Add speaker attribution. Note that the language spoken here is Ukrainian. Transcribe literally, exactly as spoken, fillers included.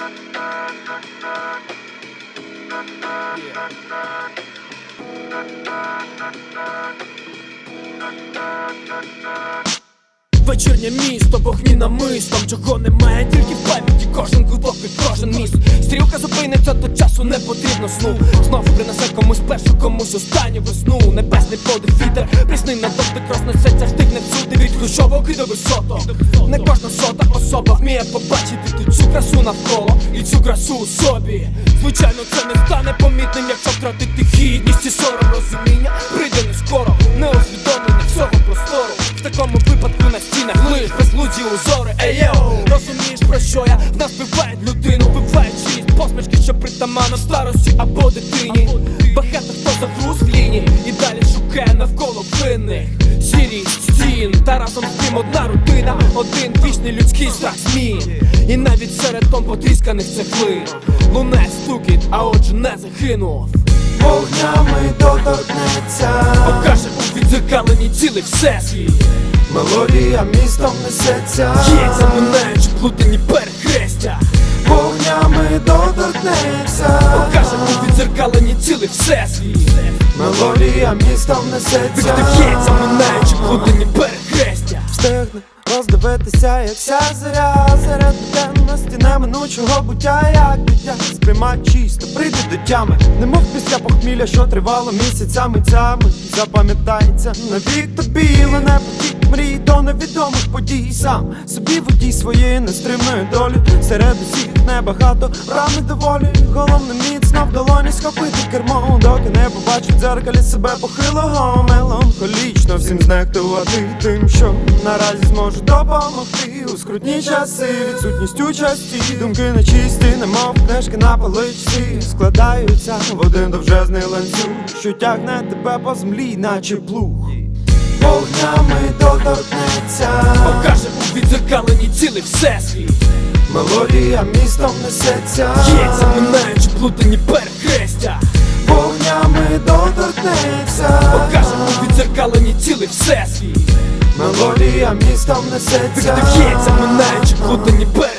Speaker 1: Вечірнє місто, вогні намистом, чого немає, тільки в пам'яті кожен куток і кожен міст. Стрілка зупиниться, то часу не потрібно сну. Знову принесе комусь першу, комусь останню весну. Небесний подих, вітер, прісний на дотик рознесеться, штикне всюди від хрущовок і до висоток. Не кожна сота особа вміє побачити тут цю красу навколо і цю красу у собі. Звичайно, це не стане помітним, якщо втратити гідність і сором. Розуміння прийде не скоро, не усвідомлення всього простору. В такому випадку на стінах лиш безлуді узори. Ей-йоу, розумієш, про що я? В нас вбивають людину, вбивають чиїсь посмішки, що притаманно старості або дитині. Багато хто загруз в лінії і далі шукає навколо винних. Сірість стін, та разом з тим одна родина, один вічний людський страх змін. І навіть серед тон потрісканих цеглин луне стукіт, а отже не загинув.
Speaker 2: Вогнями доторкнеться,
Speaker 1: покаже у відзеркаленні цілий всесвіт.
Speaker 2: Мелодія містом несеться,
Speaker 1: Б'ється, минаючи плутані перехрестя.
Speaker 2: Вогнями доторкнеться,
Speaker 1: покаже у відзеркаленні цілий всесвіт.
Speaker 2: Мелодія містом несеться,
Speaker 1: Б'ється, минаючи плутані перехрестя.
Speaker 2: Встигне роздивитися, як вся заря серед буденності неминучого буття, як дитя сприймай чисто, прийде до тями, немов після похмілля, що тривало місяцями цями. Запам'ятається навік тобі, лине потік мрій до невідомих подій. Сам собі водій своєї нестримної долі, серед усіх небагато правни доволі. Головне міцно в долоні схопити кермо, доки не побачить в дзеркалі себе похилого. Меланхолічно всім знехтувати тим, що наразі зможе допомогти у скрутні часи. Відсутність участі, думки нечисті, немов книжки на поличці, складаються в один довжезний ланцюг, що тягне тебе по землі, наче плуг. Вогнями доторкнеться,
Speaker 1: покаже у відзеркаленні цілий всесвіт.
Speaker 2: Мелодія містом несеться,
Speaker 1: Б'ється, минаючи плутані перехрестя.
Speaker 2: Вогнями доторкнеться,
Speaker 1: покаже у відзеркаленні цілий всесвіт.
Speaker 2: Мелодія містом несеться,
Speaker 1: Б'ється, минаючи плутані перехрестя.